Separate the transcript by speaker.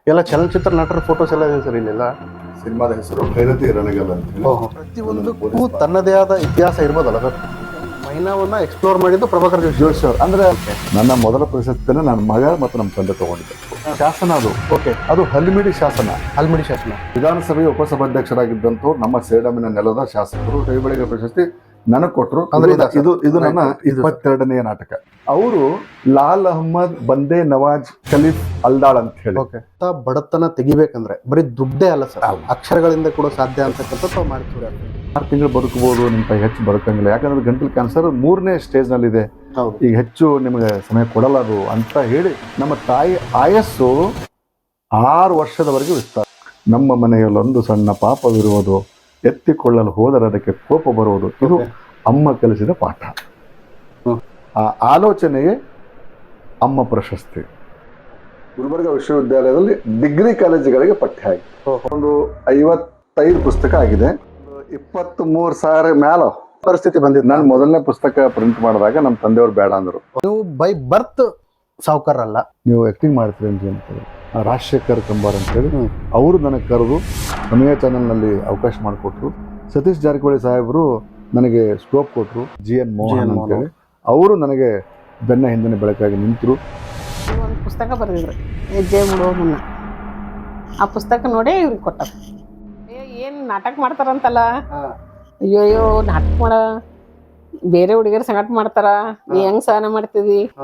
Speaker 1: ಎಲ್ಲ ಚಲನಚಿತ್ರ ನಟರ ಫೋಟೋಸ್ ಎಲ್ಲ ಇದೆ ಸರ್ ಇಲ್ಲೆಲ್ಲ.
Speaker 2: ಸಿನಿಮಾದ ಹೆಸರು ಭೈರತಿ ರಣಗಲ್ ಅಂತ ಹೇಳಿ.
Speaker 1: ಪ್ರತಿಯೊಂದಕ್ಕೂ ತನ್ನದೇ ಆದ ಇತಿಹಾಸ ಇರ್ಬೋದಲ್ಲ ಸರ್. ಮೈನಾವನ್ನ ಎಕ್ಸ್ಪ್ಲೋರ್ ಮಾಡಿದ್ದು ಪ್ರಭಾಕರ್
Speaker 2: ಜೋಶಿ ಅವರು ಅಂದ್ರೆ ನನ್ನ ಮೊದಲ ಪ್ರಶಸ್ತಿನ ನನ್ನ ಮಗ ಮತ್ತು ನಮ್ಮ ತಂದೆ ತಗೊಂಡಿದ್ದೆ. ಶಾಸನ ಅದು ಅದು ಹಲ್ಮಿಡಿ ಶಾಸನ.
Speaker 1: ಹಲ್ಮಿಡಿ ಶಾಸನ.
Speaker 2: ವಿಧಾನಸಭೆಯ ಉಪಸಭಾಧ್ಯಕ್ಷರಾಗಿದ್ದಂತೂ ನಮ್ಮ ಸೇಡಮಿನ ನೆಲದ ಶಾಸಕರು ಕೈಬಳಿಗ ಪ್ರಶಸ್ತಿ ನನಗೆ ಕೊಟ್ಟರು.
Speaker 1: ಅಂದ್ರೆ
Speaker 2: ಇದು ನನ್ನ 22ನೇ ನಾಟಕ. ಅವರು ಲಾಲ್ ಅಹ್ಮದ್ ಬಂದೇ ನವಾಜ್ ಖಲೀಫ್ ಅಲ್ದಾಳ್ ಅಂತ ಹೇಳಿ.
Speaker 1: ಬಡತನ ತೆಗಿಬೇಕಂದ್ರೆ ಬರೀ ದುಡ್ಡೇ ಅಲ್ಲ ಸರ್, ಅಕ್ಷರಗಳಿಂದ ಕೂಡ ಸಾಧ್ಯ ಅಂತಕ್ಕಂಥದ್ದು ಮಾಡ್ತೀವಿ.
Speaker 2: 6 ತಿಂಗಳು ಬದುಕಬಹುದು, ನಿಮ್ಮ ಕೈ ಹೆಚ್ಚು ಬದುಕಂಗಿಲ್ಲ, ಯಾಕಂದ್ರೆ ಗಂಟಲು ಕ್ಯಾನ್ಸರ್ 3ನೇ ಸ್ಟೇಜ್ ನಲ್ಲಿ ಇದೆ, ಈಗ ಹೆಚ್ಚು ನಿಮಗೆ ಸಮಯ ಕೊಡಲಾರು ಅಂತ ಹೇಳಿ ನಮ್ಮ ತಾಯಿ ಆಯಸ್ಸು 6 ವರ್ಷದವರೆಗೆ ವಿಸ್ತಾರ. ನಮ್ಮ ಮನೆಯಲ್ಲೊಂದು ಸಣ್ಣ ಪಾಪವಿರುವುದು, ಎತ್ತಿಕೊಳ್ಳಲು ಹೋದರೆ ಅದಕ್ಕೆ ಕೋಪ ಬರುವುದು, ಇದು ಅಮ್ಮ ಕಲಿಸಿದ ಪಾಠ. ಆ ಆಲೋಚನೆಯೇ ಅಮ್ಮ ಪ್ರಶಸ್ತಿ. ಗುಲ್ಬರ್ಗ ವಿಶ್ವವಿದ್ಯಾಲಯದಲ್ಲಿ ಡಿಗ್ರಿ ಕಾಲೇಜುಗಳಿಗೆ ಪಠ್ಯ ಆಗಿದೆ. ಒಂದು 55 ಪುಸ್ತಕ ಆಗಿದೆ. 23,000 ಮ್ಯಾಲ ಪರಿಸ್ಥಿತಿ ಬಂದಿದ್ದು. ನಾನು ಮೊದಲನೇ ಪುಸ್ತಕ ಪ್ರಿಂಟ್ ಮಾಡಿದಾಗ ನಮ್ಮ ತಂದೆಯವರು ಬೇಡ ಅಂದರು.
Speaker 1: ನೀವು ಬೈ ಬರ್ತ್ ಸಾವುಕಾರಲ್ಲ,
Speaker 2: ನೀವು ಆಕ್ಟಿಂಗ್ ಮಾಡ್ತೀರಿ ಅಂತ ಹೇಳ್ತಾರೆ. ರಾಜಶೇಖರ್ ಕಂಬಾರ್ ಅಂತೇಳಿ ಅವರು ನನಗೆ ಕರೆದು ಸಮಯ ಚಾನಲ್ನಲ್ಲಿ ಅವಕಾಶ ಮಾಡಿಕೊಟ್ರು. ಸತೀಶ್ ಜಾರಕಿಹೊಳಿ ಸಾಹೇಬರು ನನಗೆ ಸ್ಕೋಪ್ ಕೊಟ್ಟರು. GN ಮೋಹನ್ ಅಂತೇಳಿ ಅವರು ನನಗೆ ಬೆನ್ನ ಹಿಂದಿನ ಬೆಳಕಾಗಿ ನಿಂತರು.
Speaker 3: ಒಂದು ಪುಸ್ತಕ ಬರೆದಿದ್ರು ಹೆಜ್ಜೆ ಬಿಡುವ ಮುನ್ನ. ಆ ಪುಸ್ತಕ ನೋಡಿ ಇವ್ರಿಗೆ ಕೊಟ್ಟ. ಏನು ನಾಟಕ ಮಾಡ್ತಾರಂತಲ್ಲ, ಅಯ್ಯೋ ನಾಟಕ ಮಾಡ ಬೇರೆ ಹುಡುಗಿಯರು ಸಂಗಟ ಮಾಡ್ತಾರ, ನೀ ಹೆಂಗ್ ಸಹನ ಮಾಡ್ತಿದಿ?